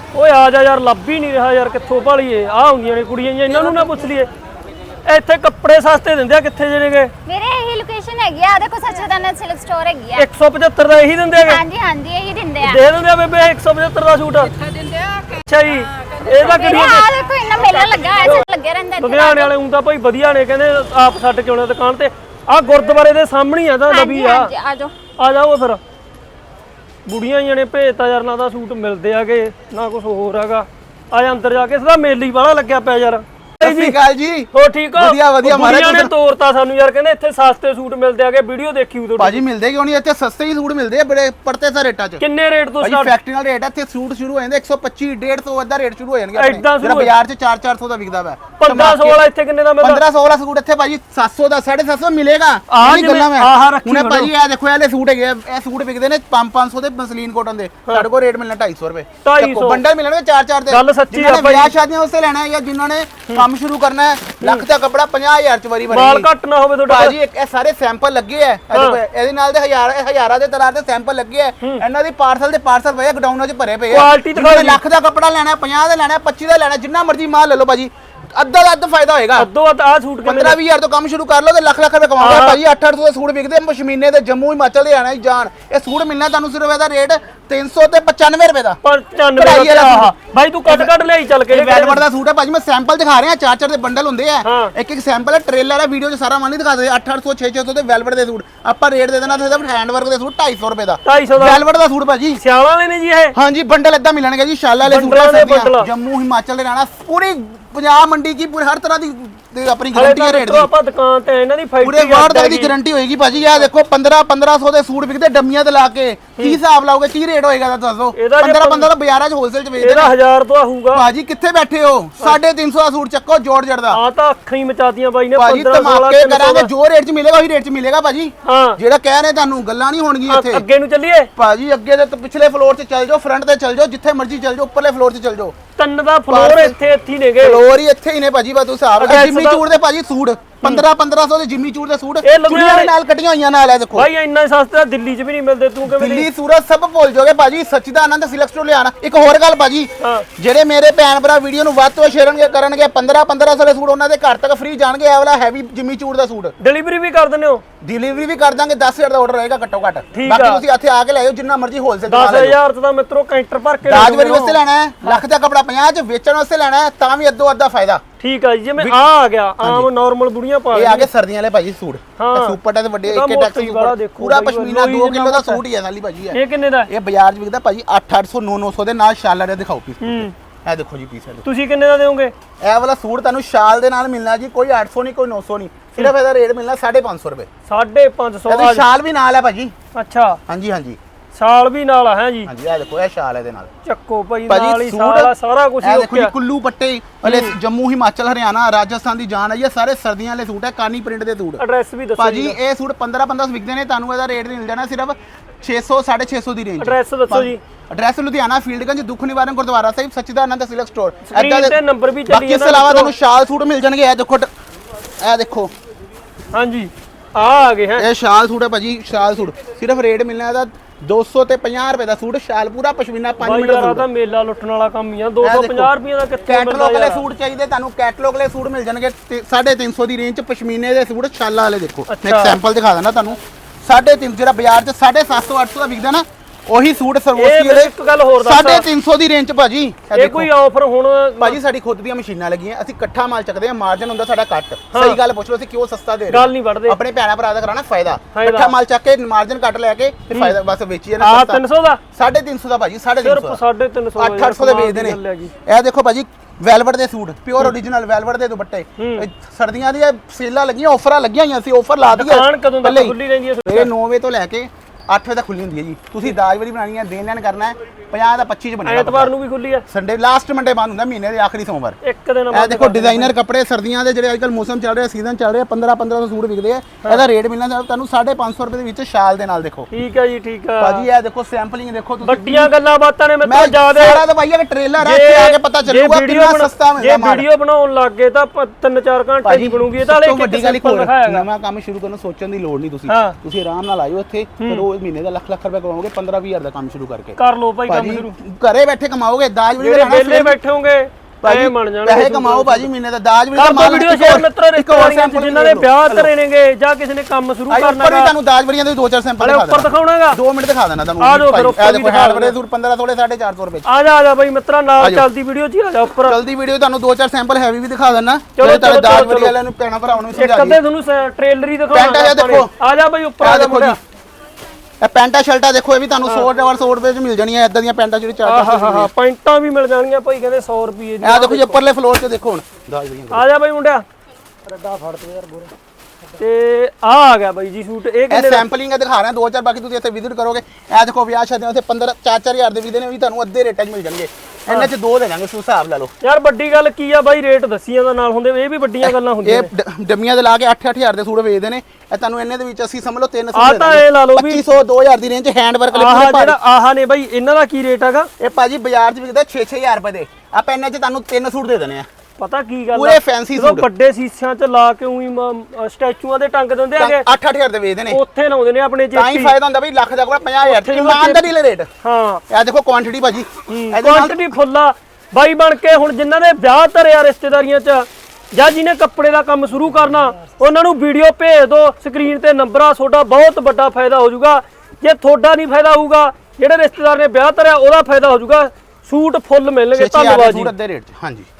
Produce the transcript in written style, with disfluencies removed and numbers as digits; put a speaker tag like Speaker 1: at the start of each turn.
Speaker 1: ਓਏ ਆ ਜਾ ਯਾਰ, ਲੱਭ ਹੀ ਨਹੀਂ ਰਿਹਾ ਯਾਰ, ਕਿੱਥੋਂ ਭਾਲੀਏ। ਆ ਹੁੰਦੀਆਂ ਨੇ ਕੁੜੀਆਂ ਜੀ, ਇਹਨਾਂ ਨੂੰ ਨਾ ਪੁੱਛ ਲਈਏ। ਇੱਥੇ ਕੱਪੜੇ ਸਸਤੇ ਦਿੰਦੇ ਆ, ਕਿੱਥੇ ਜਣੇਗੇ?
Speaker 2: ਮੇਰੇ ਇਹੀ ਲੋਕੇਸ਼ਨ ਹੈਗੀ ਆ, ਦੇਖੋ ਸੱਚੇਦਾਨਾ ਸਿਲਕ ਸਟੋਰ ਹੈਗੀ ਆ।
Speaker 1: 175 ਦਾ ਇਹੀ ਦਿੰਦੇ ਹੈਗੇ?
Speaker 2: ਹਾਂਜੀ ਹਾਂਜੀ ਇਹੀ ਦਿੰਦੇ ਆ।
Speaker 1: ਦੇ ਦਿੰਦੇ ਆ ਬੇਬੇ 175 ਦਾ ਸੂਟ?
Speaker 3: ਕਿੱਥੇ ਦਿੰਦੇ ਆ?
Speaker 1: ਅੱਛਾ ਜੀ, ਇਹਦਾ ਕਿੰਨੀ?
Speaker 2: ਆ ਦੇਖੋ ਇੰਨਾ ਮੇਲਾ ਲੱਗਾ ਹੋਇਆ, ਸਭ ਲੱਗੇ ਰਹਿੰਦੇ ਇੱਥੇ।
Speaker 1: ਲੁਧਿਆਣੇ ਵਾਲੇ ਊਂ ਤਾਂ ਭਾਈ ਵਧੀਆ ਨੇ, ਕਹਿੰਦੇ ਆਪ ਛੱਡ ਕੇ ਆਉਣਾ ਦੁਕਾਨ ਤੇ। ਆ ਗੁਰਦੁਆਰੇ ਦੇ ਸਾਹਮਣੇ ਆ ਤਾਂ ਨਵੀਂ ਆ।
Speaker 2: ਹਾਂਜੀ ਆ ਜਾਓ
Speaker 1: ਆ ਜਾਓ ਫਿਰ। ਬੁੜੀਆਂ ਹੀ ਨੇ ਭੇਜਤਾ ਯਾਰ, ਨਾ ਦਾ ਸੂਟ ਮਿਲਦੇ ਆਗੇ ਨਾ ਕੁਝ ਹੋਰ ਹੈਗਾ। ਆ ਜਾ ਅੰਦਰ ਜਾ ਕੇ, ਇਸਦਾ ਮੇਲੀ ਵਾਲਾ ਲੱਗਿਆ ਪਿਆ ਯਾਰ।
Speaker 4: ਸਤਿ ਸ਼੍ਰੀ ਅਕਾਲ ਜੀ।
Speaker 1: ਹੋ ਠੀਕ ਹੋ?
Speaker 4: ਵਧੀਆ ਵਧੀਆ
Speaker 1: ਮਹਾਰਾਜ ਨੇ ਤੋਰਤਾ ਸਾਨੂੰ ਯਾਰ, ਕਹਿੰਦੇ ਇੱਥੇ ਸਸਤੇ ਸੂਟ ਮਿਲਦੇ ਆਗੇ। ਵੀਡੀਓ ਦੇਖੀ ਉਦੋਂ
Speaker 4: ਭਾਜੀ ਮਿਲਦੇ ਕਿਉਂ ਨਹੀਂ? ਇੱਥੇ ਸਸਤੇ ਹੀ ਸੂਟ ਮਿਲਦੇ ਆ, ਬੜੇ ਪੜਤੇ ਸਾ ਰੇਟਾਂ 'ਚ।
Speaker 1: ਕਿੰਨੇ ਰੇਟ ਤੋਂ
Speaker 4: ਭਾਜੀ ਫੈਕਟਰੀ ਨਾਲ ਰੇਟ ਹੈ ਇੱਥੇ। ਸੂਟ ਸ਼ੁਰੂ ਹੋ ਜਾਂਦੇ 125 150 ਅੱਧਾ ਰੇਟ ਸ਼ੁਰੂ ਹੋ ਜਾਣਗੇ ਆਪਣੇ।
Speaker 1: ਐਡਾ
Speaker 4: ਜਿਹੜਾ ਬਾਜ਼ਾਰ 'ਚ 400 ਦਾ ਵਿਕਦਾ ਵਾ।
Speaker 1: 1500 ਵਾਲਾ ਇੱਥੇ ਕਿੰਨੇ ਦਾ ਮਿਲਦਾ?
Speaker 4: 1500 ਵਾਲਾ ਸੂਟ ਇੱਥੇ ਭਾਜੀ 700 ਦਾ 750 ਮਿਲੇਗਾ।
Speaker 1: ਆਹ
Speaker 4: ਗੱਲਾਂ ਮੈਂ
Speaker 1: ਰੱਖੀ
Speaker 4: ਹੁਣੇ ਭਾਜੀ ਇਹ ਦੇਖੋ, ਇਹਲੇ ਸੂਟ ਹੈਗੇ, ਇਹ ਸੂਟ ਵਿਕਦੇ ਨੇ 500 ਦੇ ਮਸਲੀਨ ਕੋਟਨ ਦੇ। ਸਾਡੇ ਕੋਲ ਰੇਟ ਮਿਲਣਾ 250 ਰੁਪਏ।
Speaker 1: 250
Speaker 4: ਬੰਡਲ ਮਿਲਣਗੇ 4 ਦੇ।
Speaker 1: ਗੱਲ ਸੱਚੀ ਆ
Speaker 4: ਭਾਈ। ਵਿਆਹ ਸ਼ਾਦੀਆਂ ਵਾਸਤੇ ਲੈਣਾ ਹੈ ਜਾਂ ਜਿਨ੍ਹਾਂ ਨੇ ਕੰਮ ਸ਼ੁਰੂ ਕਰਨਾ ਹੈ, ਲੱਖ ਦਾ ਕੱਪੜਾ 50000 ਚ ਵਾਰੀ ਬਣੇਗੀ।
Speaker 1: ਬਾਲ ਘੱਟ ਨਾ ਹੋਵੇ ਤੁਹਾਡਾ
Speaker 4: ਭਾਜੀ। ਇਹ ਸਾਰੇ ਸੈਂਪਲ ਲੱਗੇ ਆ, ਇਹਦੇ ਨਾਲ ਦੇ ਹਜ਼ਾਰਾਂ ਦੇ ਤਲਾਰ ਦੇ ਸੈਂਪਲ ਲੱਗੇ ਆ। ਇਹਨਾਂ ਦੀ ਪਾਰਸਲ ਪਏ ਗਡਾਊਨਾਂ 'ਚ ਭਰੇ ਪਏ ਆ।
Speaker 1: ਕੁਆਲਿਟੀ ਦਿਖਾਓ।
Speaker 4: ਲੱਖ ਦਾ ਕੱਪੜਾ ਲੈਣਾ, 50 ਦਾ ਲੈਣਾ, 25 ਦਾ ਲੈਣਾ, ਜਿੰਨਾ ਮਰਜ਼ੀ ਮਾਲ ਲੈ ਲਓ ਭਾਜੀ। ਅੱਧਾ ਦਾ ਅੱਧ ਫਾਇਦਾ ਹੋਏਗਾ।
Speaker 1: ਅੱਧੋ ਅੱਧ ਆ ਸੂਟ
Speaker 4: 15-20 ਤੋਂ ਕੰਮ ਸ਼ੁਰੂ ਕਰ ਲਓ ਤੇ ਲੱਖ ਰੁਪਏ ਕਮਾਓਗੇ ਭਾਜੀ। 800 ਦੇ ਸੂਟ ਵਿਕਦੇ ਪਸ਼ਮੀਨੇ ਦੇ, ਜੰਮੂ ਹਿਮਾਚਲ ਦੇ ਆਣਾ ਜਾਣ। ਇਹ ਸੂਟ ਮਿਲਣਾ ਤੁਹਾਨੂੰ ਸਿਰਫ ਇਹਦਾ ਰੇਟ 300 ਤੇ 95 ਰੁਪਏ ਦਾ।
Speaker 1: 95 ਦਾ। ਭਾਈ ਤੂੰ ਕੱਟ ਲੈ ਚੱਲ ਕੇ।
Speaker 4: ਇਹ ਵੈਲਵਟ ਦਾ ਸੂਟ ਹੈ ਭਾਜੀ, ਮੈਂ ਸੈਂਪਲ ਦਿਖਾ ਰਿਹਾ। 4 ਦੇ ਬੰਡਲ ਹੁੰਦੇ ਆ, ਇੱਕ ਇੱਕ ਸੈਂਪਲ ਹੈ। ਟ੍ਰੇਲਰ ਹੈ, ਵੀਡੀਓ 'ਚ ਸਾਰਾ ਮਾਲ ਨਹੀਂ ਦਿਖਾਦੇ। 800 600 ਦੇ ਵੈਲਵਟ ਦੇ ਸੂਟ ਆਪਾਂ ਰੇਟ ਦੇ ਦੇਣਾ ਸਿਰਫ ਹੈਂਡ ਵਰਕ ਦੇ ਸੂਟ 250 ਰੁਪਏ ਦਾ।
Speaker 1: 250 ਦਾ
Speaker 4: ਵੈਲਵਟ ਦਾ ਸੂਟ ਭਾਜੀ।
Speaker 1: ਸਿਆਲ ਵਾਲੇ ਨੇ ਜੀ ਇਹ?
Speaker 4: ਹਾਂਜੀ ਬੰਡਲ ਇਦਾਂ ਮਿਲਣਗੇ ਜੀ, ਸ਼ਾਲਾ ਵਾਲੇ ਸੂਟ। ਜੰਮੂ ਹਿਮਾਚਲ ਦੇ ਰਹਿਣਾ, ਪੂਰੀ ਪੰਜਾਬ ਮੰਡੀ ਕੀ ਹਰ ਤਰ੍ਹਾਂ ਦੀ ਆਪਣੀ ਗਾਰੰਟੀ ਹੈ ਰੇਟ ਦੀ।
Speaker 1: ਆਪਾਂ ਦੁਕਾਨ ਤੇ ਇਹਨਾਂ ਦੀ
Speaker 4: ਪੂਰੇ ਵਰਲਡ ਤੱਕ ਦੀ ਗਾਰੰਟੀ ਹੋਏਗੀ ਭਾਜੀ। ਇਹ ਦੇਖੋ 1500 ਦੇ ਸੂਟ ਵਿਕਦੇ ਡੰਮੀਆਂ ਤੇ ਲਾ ਕੇ। ਕੀ ਹਿਸਾਬ ਲਾਓਗੇ? ਕੀ ਰੇਟ ਹੋਏਗਾ ਦੱਸੋ? 15 ਦਾ ਬਾਜ਼ਾਰਾਂ 'ਚ ਹੋਲਸੇਲ 'ਚ ਵੇਚਦੇ
Speaker 1: ਇਹਦਾ 1000 ਤੋਂ ਆਊਗਾ
Speaker 4: ਭਾਜੀ। ਕਿੱਥੇ ਬੈਠੇ ਹੋ? 350 ਦਾ ਸੂਟ ਚੱਕੋ ਜੋੜ ਜੜਦਾ।
Speaker 1: ਆ ਤਾਂ ਅੱਖਾਂ ਹੀ ਮਚਾਤੀਆਂ ਬਾਈ ਨੇ।
Speaker 4: ਭਾਜੀ ਧਮਾਕੇ ਕਰਾਂਗੇ, ਜੋ ਰੇਟ 'ਚ ਮਿਲੇਗਾ ਉਹੀ ਰੇਟ 'ਚ ਮਿਲੇਗਾ ਭਾਜੀ।
Speaker 1: ਹਾਂ
Speaker 4: ਜਿਹੜਾ ਕਹਿ ਰਹੇ ਤੁਹਾਨੂੰ ਗੱਲਾਂ ਨਹੀਂ ਹੋਣਗੀਆਂ ਇੱਥੇ।
Speaker 1: ਅੱਗੇ ਨੂੰ ਚੱਲੀਏ
Speaker 4: ਭਾਜੀ, ਅੱਗੇ ਤੇ ਪਿਛਲੇ ਫਲੋਰ 'ਚ ਚੱਲ ਜਾਓ, ਫਰੰਟ ਤੇ ਚੱਲ ਜਾਓ, ਜਿੱਥੇ ਮਰਜ਼ੀ ਚੱਲ ਜਾਓ, ਉੱਪਰਲੇ ਫਲੋਰ 'ਚ ਚੱਲ ਜਾਓ।
Speaker 1: ਤਿੰਨ ਦਾ ਫਲੋਰ ਇੱਥੇ ਹੀ ਨੇਗੇ।
Speaker 4: ਫਲੋਰ ਹੀ ਇੱਥੇ ਹੀ ਨੇ ਭਾਜੀ। ਬਸ ਤੁਸੀਂ ਹਿਸਾਬ ਜਿੰਮੀ ਚੂੜ ਦੇ ਭਾਜੀ ਸੂਟ 1500 ਦੇ ਜਿੰਮੀ ਚੂੜ ਦੇ ਸੂਟ ਕੁੜੀਆਂ ਦੇ ਨਾਲ ਕੱਟੀਆਂ ਹੋਈਆਂ ਨਾਲ। ਇਹ ਦੇਖੋ
Speaker 1: ਭਾਈ ਇੰਨਾ ਸਸਤਾ ਦਿੱਲੀ 'ਚ ਵੀ ਨਹੀਂ ਮਿਲਦੇ। ਤੂੰ ਕਿਵੇਂ?
Speaker 4: ਦਿੱਲੀ ਸੂਰਤ ਸਭ ਭੁੱਲ ਜਾਓਗੇ ਭਾਜੀ। ਸੱਚੀਦਾਨੰਦ ਸਿਲਕ ਸਟੋਰ ਲਿਆਣਾ। ਇੱਕ ਹੋਰ ਗੱਲ ਭਾਜੀ, ਜਿਹੜੇ ਮੇਰੇ ਭੈਣ ਭਰਾ ਵੀਡੀਓ ਨੂੰ ਵੱਧ ਤੋਂ ਸ਼ੇਅਰ ਕਰਨਗੇ 1500 ਦੇ ਸੂਟ ਉਹਨਾਂ ਦੇ ਘਰ ਤੱਕ ਫ੍ਰੀ ਜਾਣਗੇ। ਇਹ ਵਾਲਾ ਹੈਵੀ ਜਿੰਮੀ ਚੂੜ ਦਾ ਸੂਟ
Speaker 1: ਡਿਲੀਵਰੀ ਵੀ ਕਰ ਦਿੰਦੇ ਹੋ?
Speaker 4: ਡਿਲੀਵਰੀ ਵੀ ਕਰ ਦਾਂਗੇ। 10000 ਦਾ ਆਰਡਰ ਰਹੇਗਾ ਘੱਟੋ ਘੱਟ। ਬਾਕੀ ਤੁਸੀਂ ਇੱਥੇ ਆ ਕੇ ਲੈ ਜਾਓ, ਜਿੰਨਾ ਮਰਜ਼ੀ ਹੋਲਸੇਲ
Speaker 1: 10000 ਦਾ ਮਿੱਤਰੋ ਕੈਂਟਰ ਭਰ ਕੇ
Speaker 4: ਰਾਜਵਰੀ ਵਾਸਤੇ ਲੈਣਾ ਹੈ, ਲੱਖ ਦਾ ਕੱਪੜਾ 50 ਚ ਵੇਚਣ ਵਾਸਤੇ ਲੈਣਾ ਹੈ, ਤਾਂ ਵੀ ਅੱਧੋ ਅੱਧਾ ਫਾਇਦਾ।
Speaker 1: ਠੀਕ ਹੈ ਜੀ। ਜਿਵੇਂ ਆ ਗਿਆ ਆਮ ਨਾਰਮਲ ਬੁੜੀਆਂ ਪਾ
Speaker 4: ਇਹ ਆ ਗਏ ਸਰਦੀਆਂ ਵਾਲੇ ਭਾਜੀ ਸੂਟ। ਸੁਪਰ ਟਾ ਤੇ ਵੱਡੇ ਇੱਕ ਟੈਕਸੀ ਉੱਪਰ ਪੂਰਾ ਪਸ਼ਮੀਨਾ 2 ਕਿਲੋ ਦਾ ਸੂਟ ਹੀ ਹੈ ਨਾਲੀ ਭਾਜੀ।
Speaker 1: ਇਹ ਕਿੰਨੇ ਦਾ?
Speaker 4: ਇਹ ਬਾਜ਼ਾਰ 'ਚ ਵਿਕਦਾ ਭਾਜੀ 800 900 ਦੇ ਨਾਲ ਸ਼ਾਲ ਵਾਲੇ ਦਿਖਾਓ ਪੀਸ। ਇਹ ਦੇਖੋ ਜੀ ਪੀਸ।
Speaker 1: ਤੁਸੀਂ ਕਿੰਨੇ ਦਾ ਦੇਵੋਗੇ?
Speaker 4: ਇਹ ਵਾਲਾ ਸੂਟ ਤੁਹਾਨੂੰ ਸ਼ਾਲ ਦੇ ਨਾਲ ਮਿਲਣਾ ਜੀ। ਕੋਈ 800 ਨਹੀਂ, ਕੋਈ 900 ਨਹੀਂ, ਸਿਰਫ ਇਹਦਾ ਰੇਟ ਮਿਲਣਾ 550 ਰੁਪਏ।
Speaker 1: 550
Speaker 4: ਇਹਦੀ ਸ਼ਾਲ ਵੀ ਨਾਲ ਹੈ ਭਾਜੀ।
Speaker 1: ਅੱਛਾ
Speaker 4: ਹਾਂਜੀ ਹਾਂਜੀ,
Speaker 1: ਸਾਲ ਵੀ ਨਾਲ ਆ ਹੈ ਜੀ।
Speaker 4: ਹਾਂਜੀ ਇਹ ਦੇਖੋ, ਇਹ ਸ਼ਾਲ ਇਹਦੇ ਨਾਲ
Speaker 1: ਚੱਕੋ ਭਾਈ ਨਾਲ ਹੀ ਸਾਰਾ ਸਾਰਾ ਕੁਝ ਹੀ।
Speaker 4: ਇਹ ਦੇਖੋ ਜੀ ਕੁੱਲੂ ਪੱਟੇ ਵਾਲੇ ਜੰਮੂ ਹਿਮਾਚਲ ਹਰਿਆਣਾ ਰਾਜਸਥਾਨ ਦੀ ਜਾਨ ਆਈ ਹੈ। ਸਾਰੇ ਸਰਦੀਆਂ ਵਾਲੇ ਸੂਟ ਹੈ, ਕਾਨੀ ਪ੍ਰਿੰਟ ਦੇ ਸੂਟ।
Speaker 1: ਐਡਰੈਸ ਵੀ ਦੱਸੋ
Speaker 4: ਭਾਜੀ। ਇਹ ਸੂਟ 1500 ਵਿਕਦੇ ਨੇ, ਤੁਹਾਨੂੰ ਇਹਦਾ ਰੇਟ ਮਿਲ ਜਾਣਾ ਸਿਰਫ 600 650 ਦੀ ਰੇਂਜ।
Speaker 1: ਐਡਰੈਸ ਦੱਸੋ ਜੀ।
Speaker 4: Address Ludhiana Fieldganj Dukh Niwaran Gurdwara Sahib Sachidanand silk store.
Speaker 1: Screen ਤੇ ਨੰਬਰ ਵੀ ਚੱਲੀ
Speaker 4: ਬਾਕੀ ਇਸ ਤੋਂ ਇਲਾਵਾ ਤੁਹਾਨੂੰ ਸ਼ਾਲ ਸੂਟ ਮਿਲ ਜਾਣਗੇ। ਇਹ ਦੇਖੋ, ਇਹ ਦੇਖੋ।
Speaker 1: ਹਾਂਜੀ ਆ ਗਏ ਹੈ।
Speaker 4: ਇਹ ਸ਼ਾਲ ਸੂਟ ਹੈ ਭਾਜੀ। ਸ਼ਾਲ ਸੂਟ ਸਿਰਫ ਰੇਟ ਮਿਲਣਾ ਇਹਦਾ 200 ਤੇ 50 ਰੁਪਏ ਦਾ ਸੂਟ। ਸ਼ਾਲ ਪੂਰਾ ਪਸ਼ਮੀਨਾ 5 ਮੀਟਰ ਦਾ।
Speaker 1: ਤਾਂ ਮੇਲਾ ਲੁੱਟਣ ਵਾਲਾ ਕੰਮ ਹੀ ਆ। 250 ਰੁਪਏ ਦਾ ਕਿੱਥੇ ਮਿਲਦਾ?
Speaker 4: ਕੈਟਲੌਗ ਵਾਲੇ ਸੂਟ ਚਾਹੀਦੇ ਤੁਹਾਨੂੰ, ਕੈਟਲੌਗ ਵਾਲੇ ਸੂਟ ਮਿਲ ਜਾਣਗੇ 350 ਦੀ ਰੇਂਜ 'ਚ ਪਸ਼ਮੀਨੇ ਦੇ ਸੂਟ ਸ਼ਾਲਾ ਵਾਲੇ। ਦੇਖੋ ਮੈਂ ਇੱਕ ਸੈਂਪਲ ਦਿਖਾ ਦਿੰਦਾ ਤੁਹਾਨੂੰ। 350 ਜਿਹੜਾ ਬਾਜ਼ਾਰ 'ਚ 750 800 ਦਾ ਵਿਕਦਾ ਨਾ, ਉਹੀ ਸੂਟ ਸਰਵੋਸੀ ਵਾਲੇ
Speaker 1: ਇੱਕ ਗੱਲ ਹੋਰ ਦੱਸ।
Speaker 4: 350 ਦੀ ਰੇਂਜ 'ਚ ਭਾਜੀ।
Speaker 1: ਇਹ ਕੋਈ ਆਫਰ ਹੁਣ?
Speaker 4: ਭਾਜੀ ਸਾਡੀ ਖੁਦ ਦੀਆਂ ਮਸ਼ੀਨਾਂ ਲੱਗੀਆਂ, ਅਸੀਂ ਇਕੱਠਾ ਮਾਲ ਚੱਕਦੇ ਆ, ਮਾਰਜਨ ਹੁੰਦਾ ਸਾਡਾ ਕੱਟ। ਸਹੀ ਗੱਲ ਪੁੱਛ ਲਓ, ਅਸੀਂ ਕਿਉਂ ਸਸਤਾ ਦੇ ਰਹੇ?
Speaker 1: ਗੱਲ ਨਹੀਂ ਵੜਦੇ।
Speaker 4: ਆਪਣੇ ਭੈਣਾ ਭਰਾ ਦਾ ਕਰਾਣਾ ਫਾਇਦਾ। ਇਕੱਠਾ ਮਾਲ ਚੱਕ ਕੇ ਮਾਰਜਨ ਕੱਟ ਲੈ ਕੇ ਤੇ ਫਾਇਦਾ ਬਸ ਵੇਚੀਏ ਨਾ।
Speaker 1: 300 ਦਾ
Speaker 4: 350 ਦਾ ਭਾਜੀ। 350
Speaker 1: 350
Speaker 4: 800 ਦੇ ਵੇਚਦੇ ਨੇ। ਇਹ ਦੇਖੋ ਭਾਜੀ, ਵੈਲਵਟ ਦੇ ਸੂਟ ਪਿਓਰ ਓਰੀਜਨਲ ਵੈਲਵਟ ਦੇ ਦੁਪੱਟੇ। ਸਰਦੀਆਂ ਦੀਆਂ ਸੇਲਾਂ ਲੱਗੀਆਂ, ਆਫਰਾਂ ਲੱਗੀਆਂ ਹੋਈਆਂ ਸੀ। ਆਫਰ ਲਾ ਦਈਏ।
Speaker 1: ਦੁਕਾਨ ਕਦੋਂ ਤੱਕ ਖੁੱਲੀ ਰਹਿੰਦੀ ਹੈ?
Speaker 4: ਇਹ 9 ਵਜੇ ਤੋਂ ਲੈ ਕੇ 8 ਵਜੇ ਤੱਕ ਖੁੱਲੀ ਹੁੰਦੀ ਹੈ ਜੀ। ਤੁਸੀਂ ਦਾਜ ਵਾਲੀ ਬਣਾਣੀ ਹੈ, ਦੇਣ ਲੈਣ ਕਰਨਾ ਹੈ, 50 ਦਾ 25 ਚ ਬਣੇਗਾ।
Speaker 1: ਐਤਵਾਰ ਨੂੰ ਵੀ ਖੁੱਲੀ ਹੈ?
Speaker 4: ਸੰਡੇ ਲਾਸਟ ਮੰਡੇ ਬੰਦ ਹੁੰਦਾ, ਮਹੀਨੇ ਦੇ ਆਖਰੀ ਸੋਮਵਾਰ।
Speaker 1: ਇੱਕ ਦਿਨ
Speaker 4: ਇਹ ਦੇਖੋ ਡਿਜ਼ਾਈਨਰ ਕੱਪੜੇ ਸਰਦੀਆਂ ਦੇ, ਜਿਹੜੇ ਅੱਜਕੱਲ ਮੌਸਮ ਚੱਲ ਰਿਹਾ, ਸੀਜ਼ਨ ਚੱਲ ਰਿਹਾ, 1500 ਸੂਟ ਵਿਕਦੇ ਆ। ਇਹਦਾ ਰੇਟ ਮਿਲਣਾ ਤੁਹਾਨੂੰ 550 ਰੁਪਏ ਦੇ ਵਿੱਚ ਸ਼ਾਲ ਦੇ ਨਾਲ। ਦੇਖੋ
Speaker 1: ਠੀਕ ਹੈ ਜੀ, ਠੀਕ ਹੈ
Speaker 4: ਭਾਜੀ। ਇਹ ਦੇਖੋ ਸੈਂਪਲਿੰਗ ਦੇਖੋ ਤੁਸੀਂ।
Speaker 1: ਵੱਡੀਆਂ ਗੱਲਾਂ ਬਾਤਾਂ ਨੇ ਮੈਂ ਜ਼ਿਆਦਾ
Speaker 4: ਸਾਰਾ ਤਾਂ ਭਾਈ ਇਹ ਟ੍ਰੇਲਰ ਹੈ, ਇੱਥੇ ਆ ਕੇ ਪਤਾ ਚੱਲੂਗਾ ਕਿੰਨਾ ਸਸਤਾ ਮਿਲਦਾ ਮਾਲ।
Speaker 1: ਜੇ ਵੀਡੀਓ ਬਣਾਉਣ ਲੱਗ ਗਏ ਤਾਂ 3-4 ਘੰਟੇ ਦੀ ਬਣੂਗੀ। ਇਹ ਤਾਂ
Speaker 4: ਵੱਡੀ ਗੱਲ ਦਿਖਾਇਆ। ਨਵਾਂ ਕੰਮ ਸ਼ੁਰੂ ਕਰਨ ਸੋਚਣ ਦੀ ਲੋੜ ਨਹੀਂ। ਤੁਸੀਂ ਆਰਾਮ ਨਾਲ ਆਇਓ ਇੱਥੇ, ਮਹੀਨੇ ਦਾ ਲੱਖ ਰੁਪਏ ਕਮਾਓਗੇ 15-20 ਦਾ ਕੰਮ ਸ਼ੁਰੂ ਕਰਕੇ
Speaker 1: ਕਰ ਲਓ ਭਾਈ ਕੰਮ
Speaker 4: ਭਾਜੀ
Speaker 1: ਸ਼ੁਰੂ।
Speaker 4: ਘਰੇ ਬੈਠੇ ਕਮਾਓਗੇ, ਦਾਜ ਵੀ
Speaker 1: ਜਿਹੜੇ ਵਿਹਲੇ ਬੈਠੇ ਹੋਗੇ
Speaker 4: ਭਾਜੀ
Speaker 1: ਬਣ ਜਾਣਗੇ
Speaker 4: ਪੈਸੇ ਕਮਾਓ ਭਾਜੀ, ਮਹੀਨੇ ਦਾ ਦਾਜ ਵੀ
Speaker 1: ਕਰ ਦੋ ਵੀਡੀਓ ਸ਼ੇਅਰ ਮਿੱਤਰੋ, ਰਿਸ਼ਤੇਦਾਰੀਆਂ ਚ ਜਿਨ੍ਹਾਂ ਨੇ ਵਿਆਹ ਧਰੇ ਨੇਗੇ ਜਾਂ ਕਿਸੇ ਨੇ ਕੰਮ ਸ਼ੁਰੂ ਕਰਨਾ
Speaker 4: ਹੈ। ਤੁਹਾਨੂੰ ਦਾਜ ਵੜੀਆਂ ਦੇ 2-4 ਸੈਂਪਲ ਦਿਖਾ
Speaker 1: ਉੱਪਰ ਦਿਖਾਉਣਾਗਾ
Speaker 4: 2 ਮਿੰਟ ਦਿਖਾ ਦੇਣਾ ਤੁਹਾਨੂੰ।
Speaker 1: ਆ ਜਾਓ ਫਿਰ ਉੱਪਰ ਵੀ ਦਿਖਾ
Speaker 4: ਬੜੇ ਸੂਟ 15 ਥੋੜੇ 450 ਰੁਪਏ।
Speaker 1: ਆ ਜਾ ਬਾਈ ਮਿੱਤਰਾ, ਨਾਲ ਚੱਲਦੀ ਵੀਡੀਓ ਚ ਆ ਜਾ ਉੱਪਰ।
Speaker 4: ਜਲਦੀ ਵੀਡੀਓ ਤੁਹਾਨੂੰ 2-4 ਸੈਂਪਲ ਹੈਵੀ ਵੀ ਦਿਖਾ ਦੇਣਾ।
Speaker 1: ਚਲੋ
Speaker 4: ਤੁਹਾਡੇ ਦਾਜ ਵੜੀ ਵਾਲਿਆਂ ਨੂੰ ਪੈਣਾ ਭਰਾਉਣ ਨੂੰ ਸਮਝਾ
Speaker 1: ਇੱਕ ਅੱਧੇ ਤੁਹਾਨੂੰ ਟ੍ਰੇਲਰ ਹੀ
Speaker 4: ਪੈਂਟਾਂ
Speaker 1: ਦਿਖਾਉਣਾ। ਆ ਜਾ ਬਾਈ ਉੱਪਰ ਆ ਜਾ ਮੁੰਡਿਆ।
Speaker 4: ਇਹ ਪੈਂਟਾ ਸ਼ਰਟਾਂ ਦੇਖੋ, ਇਹ ਵੀ ਤੁਹਾਨੂੰ 100 ਰੁਪਏ ਚ ਮਿਲ ਜਾਣੀਆਂ ਇਦਾਂ ਦੀਆਂ ਪੈਂਟਾਂ ਜਿਹੜੀ 400
Speaker 1: ਹਾਂ ਪੈਂਟਾਂ ਵੀ ਮਿਲ ਜਾਣਗੀਆਂ ਭਾਈ, ਕਹਿੰਦੇ 100 ਰੁਪਏ ਦੀ।
Speaker 4: ਇਹ ਦੇਖੋ ਜੀ ਉੱਪਰਲੇ ਫਲੋਰ ਤੇ ਦੇਖੋ ਹੁਣ ਦਾਜ ਵੜੀਆਂ।
Speaker 1: ਆ ਜਾ ਬਾਈ ਮੁੰਡਿਆ, ਰੱਡਾ ਫੜ ਤੂੰ ਯਾਰ ਗੋਰੇ। ਤੇ ਆ ਗਿਆ ਬਾਈ ਜੀ ਸੂਟ, ਇਹ
Speaker 4: ਇਹ ਸੈਂਪਲਿੰਗ ਦਿਖਾ ਰਿਹਾ 2-4, ਬਾਕੀ ਤੁਸੀਂ ਇੱਥੇ ਵਿਜ਼ਿਟ ਕਰੋਗੇ। ਇਹ ਦੇਖੋ ਵਿਆਹ ਸ਼ਾਦੀਆਂ ਉੱਥੇ 15-4-4000 ਦੇ ਵਿਕਦੇ ਨੇ, ਵੀ ਤੁਹਾਨੂੰ ਅੱਧੇ ਰੇਟਾਂ 'ਚ ਮਿਲ ਜਾਣਗੇ। ਇਹਨਾਂ 'ਚ 2 ਦੇ ਦਾਂਗੇ, ਉਸ ਹਿਸਾਬ ਲਾ ਲਓ
Speaker 1: ਯਾਰ। ਵੱਡੀ ਗੱਲ ਕੀ ਆ ਬਾਈ, ਰੇਟ ਦੱਸੀਆਂ ਦਾ ਨਾਲ ਹੁੰਦੇ, ਇਹ ਵੀ ਵੱਡੀਆਂ ਗੱਲਾਂ ਹੁੰਦੀਆਂ।
Speaker 4: ਇਹ ਡੰਮੀਆਂ ਦੇ ਲਾ ਕੇ 8-8000 ਦੇ ਸੂਟ ਵੇਚਦੇ ਨੇ। ਇਹ ਤੁਹਾਨੂੰ ਇੰਨੇ ਦੇ ਵਿੱਚ ਅਸੀਂ ਸਮਝ ਲਓ 3
Speaker 1: ਆ ਤਾਂ ਇਹ ਲਾ ਲਓ ਵੀ
Speaker 4: 2500-2000 ਦੀ ਰੇਂਜ 'ਚ ਹੈਂਡ ਵਰਕ
Speaker 1: ਆਹ ਜਿਹੜਾ ਆਹ ਨੇ ਬਾਈ, ਇਹਨਾਂ ਦਾ ਕੀ ਰੇਟ ਹੈਗਾ?
Speaker 4: ਇਹ ਭਾਜੀ ਬਾਜ਼ਾਰ 'ਚ ਵਿਕਦਾ 6-6000 ਰੁਪਏ ਦੇ। ਆਪਾਂ ਇਹਨਾਂ 'ਚ ਤੁਹਾਨੂੰ 3 ਸੂਟ ਦੇ ਦੇਣੇ ਆ।
Speaker 1: ਪਤਾ ਕੀ ਗੱਲ
Speaker 4: ਪੂਰੇ ਫੈਂਸੀ ਸੂਟ
Speaker 1: ਵੱਡੇ ਸੀਸਿਆਂ 'ਚ ਲਾ ਕੇ ਉਹੀ ਸਟੈਚੂਆਂ ਦੇ ਟੰਗ ਦਿੰਦੇ ਆਗੇ,
Speaker 4: 8-8000 ਦੇ ਵੇਚਦੇ ਨੇ।
Speaker 1: ਉੱਥੇ ਲਾਉਂਦੇ ਨੇ ਆਪਣੇ
Speaker 4: ਤਾਂ ਹੀ
Speaker 1: ਜੇਪੀ।
Speaker 4: ਫਾਇਦਾ ਹੁੰਦਾ ਬਈ, ਲੱਖ ਦਾ ਕੋਲ 50000 ਇਮਾਨਦਾਰੀ ਵਾਲੇ ਰੇਟ।
Speaker 1: ਹਾਂ
Speaker 4: ਇਹ ਦੇਖੋ ਕੁਆਂਟੀਟੀ ਭਾਜੀ, ਇਹਦੇ ਨਾਲ
Speaker 1: ਕੁਆਂਟੀਟੀ ਫੁੱਲ ਆ ਬਾਈ। ਬਣ ਕੇ ਹੁਣ ਜਿਨ੍ਹਾਂ ਨੇ ਵਿਆਹ ਧਰਿਆ ਰਿਸ਼ਤੇਦਾਰੀਆਂ 'ਚ, ਜਾਂ ਜਿਹਨੇ ਕੱਪੜੇ ਦਾ ਕੰਮ ਸ਼ੁਰੂ ਕਰਨਾ, ਉਹਨਾਂ ਨੂੰ ਵੀਡੀਓ ਭੇਜ ਦਿਓ, ਸਕਰੀਨ ਤੇ ਨੰਬਰ ਆ, ਤੁਹਾਡਾ ਬਹੁਤ ਵੱਡਾ ਫਾਇਦਾ ਹੋ ਜਾਊਗਾ। ਜੇ ਤੁਹਾਡਾ ਨਹੀਂ ਫਾਇਦਾ ਹੋਊਗਾ, ਜਿਹੜੇ ਰਿਸ਼ਤੇਦਾਰ ਨੇ ਵਿਆਹ ਧਰਿਆ ਉਹਦਾ ਫਾਇਦਾ ਹੋ ਜਾਊਗਾ। ਸੂਟ ਫੁੱਲ ਮਿਲਣਗੇ। ਧੰਨਵਾਦ ਜੀ।
Speaker 4: ਸੂਟ ਅੱਧੇ ਰੇਟ 'ਚ। ਹਾਂਜੀ।